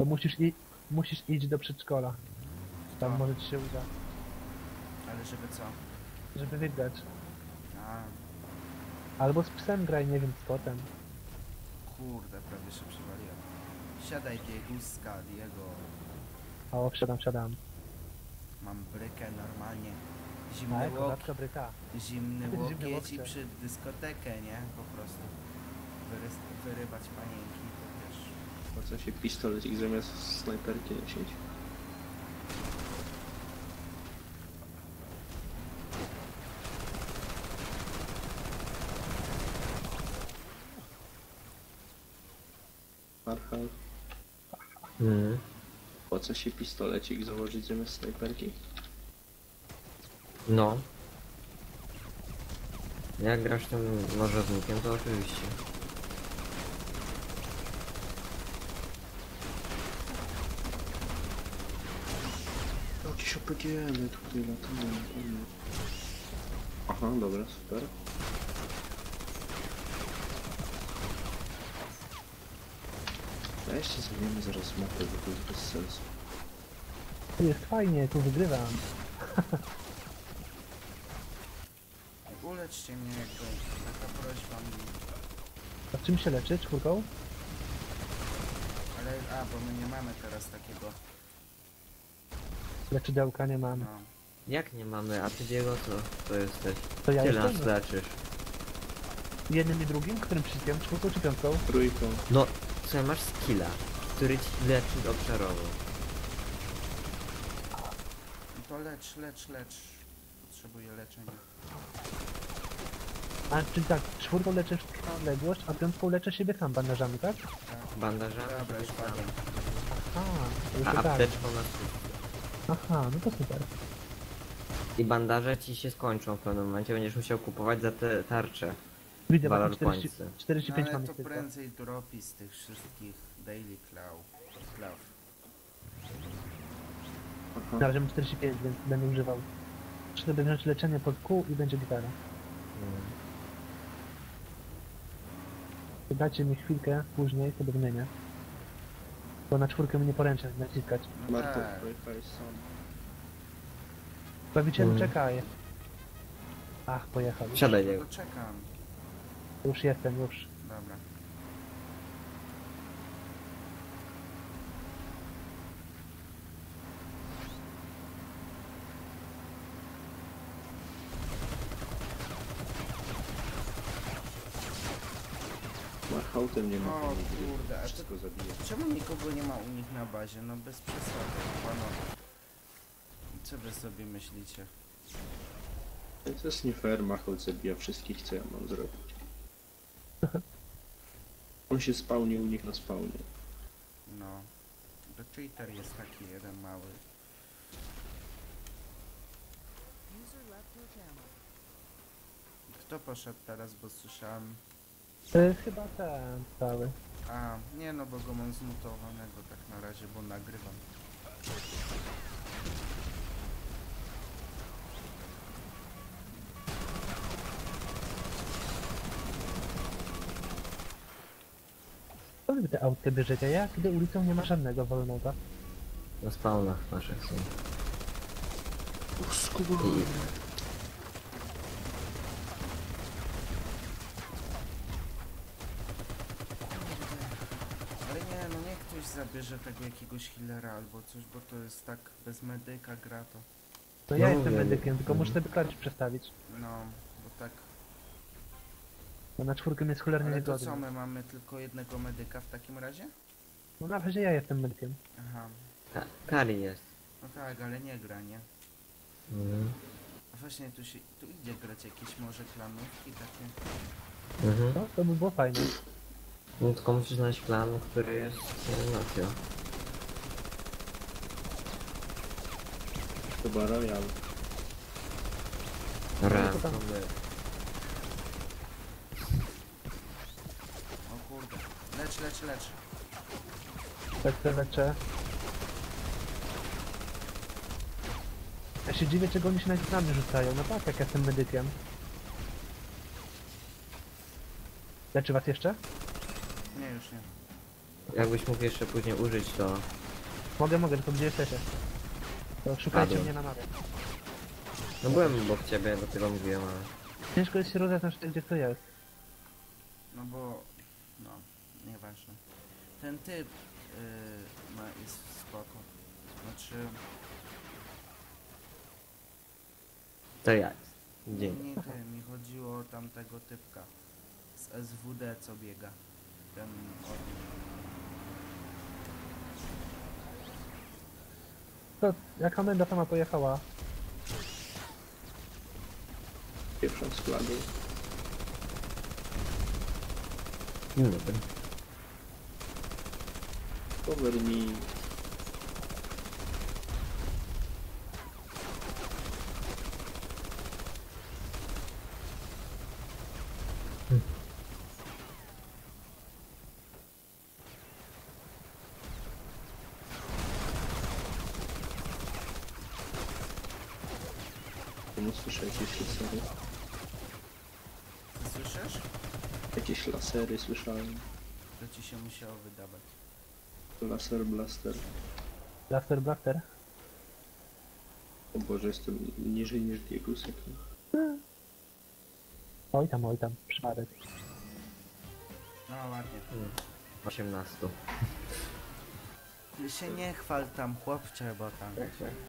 musisz iść do przedszkola. Tam Co? może ci się uda. Ale żeby co? Żeby wygrać. A, Albo z psem graj, nie wiem, z kotem. kurde, prawie się przywaliłem. Siadaj Dieguska, Diego. O, wsiadam. Mam brykę normalnie. A, Zimny kozacka bryka. zimny Zimny łokieć i łokcie. przy dyskotekę, nie? Po prostu. Wyrywać panienki, to wiesz. Po co się pistolecik zamiast snajperki nosić? Marchal, po co się pistolecik założyć zamiast snajperki? No. Jak grasz tym nożownikiem, to oczywiście. Jakieś opgl tutaj latają. Aha, dobra, super. Weźcie zmienimy zaraz mapę, bo to jest bez sensu. Tu jest fajnie, tu wygrywam. Uleczcie mnie jakoś, taka prośba mi. A czym się leczy? Czwórką? Ale, bo my nie mamy teraz takiego, Leczydełka nie mam. no. Jak nie mamy, a ty Diego to jesteś? To ja Tyle nas jestem. leczysz. Jednym i drugim? Którym przyciskiem? Czwórką czy piątką? Trójką. No, co masz skilla, który ci leczy obszarowo. No to lecz. Potrzebuję leczenia. A, czyli tak, czwórką leczysz na odległość, a piątką leczę siebie sam bandażami, tak? Bandażami Dobra, już tam. padłem. Aha, to już A tak. apteczką na wszystko. Aha, no to super. I bandaże ci się skończą w pewnym momencie, będziesz musiał kupować za te tarcze. Widzę, Valor właśnie 40, pointsy. 45 No, mam ale ich to tylko. prędzej dropi z tych wszystkich daily claw. Aha. Na razie mam 45, więc będę używał. Muszę sobie wziąć leczenie pod kół i będzie gitara. Dajcie mi chwilkę, później sobie wymienię. Bo na czwórkę mnie poręczę naciskać. No Marta, tak. pojechałeś sam. Bawicielu, czekaj. Ach, pojechał. Siadaj No Diego. to czekam. Już jestem, już. Dobra. Marchautem nie ma. O kurde, a to Wszystko zabije. czemu nikogo nie ma u nich na bazie? No bez przesady, panowie. Co wy sobie myślicie? To jest nie fair, Macholt zabija wszystkich, co ja mam zrobić. On się spawnił u nich na spawnie. No. To cheater jest taki jeden mały. Kto poszedł teraz, bo słyszałem... Chyba ten cały. A, nie no, bo go mam zmutowanego tak na razie, bo nagrywam. Co wy te autkę bierzecie? Ja kiedy ulicą nie ma żadnego wolnego. Na spawnach naszych są. I Ale nie, no niech ktoś zabierze tego jakiegoś healera albo coś, bo to jest tak bez medyka gra to. No ja No jestem mówię, medykiem, tylko mhm. muszę sobie klawisz przestawić. No, bo tak... Bo na czwórkę jest cholernie Ale to niegodny. co, my mamy tylko jednego medyka w takim razie? No na razie ja jestem medykiem. Aha. Kali jest. No tak, ale nie gra, nie? A właśnie tu idzie grać jakieś może klanówki takie. No, to by było fajne. No tylko musisz znaleźć klan, który jest Nokio. Chyba Royal. Raz, to tam- to my. O kurde. Lecz. Tak to leczę. Ja się dziwię, czego oni się nawet na mnie rzucają. No tak, jak ja jestem medykiem. Leczy was jeszcze? Nie, już nie. Jakbyś mógł jeszcze później użyć, to... Mogę, tylko gdzie jesteście? To szukajcie Padłem. mnie na mapie. No byłem obok ciebie, dlatego mówiłem, ale... Ciężko jest się rozeznać, gdzie to jest. No bo... No, nieważne. Ten typ jest spoko. Znaczy... To ja. Nie, Dzień. nie ty, mi chodziło o tamtego typka. Z SWD co biega. Ten od... To jak komenda sama pojechała, Pierwszą z flagą. Dzień dobry. Cover me. Czemu słyszę jakieś lasery? Słyszysz? Jakieś lasery słyszałem. To ci się musiało wydawać. Laser blaster. Blaster Blaster. O Boże, jestem niżej niż Diegusek. Oj tam, przypadek. No ładnie. 18. Ty się nie chwal tam chłopcze, bo tam...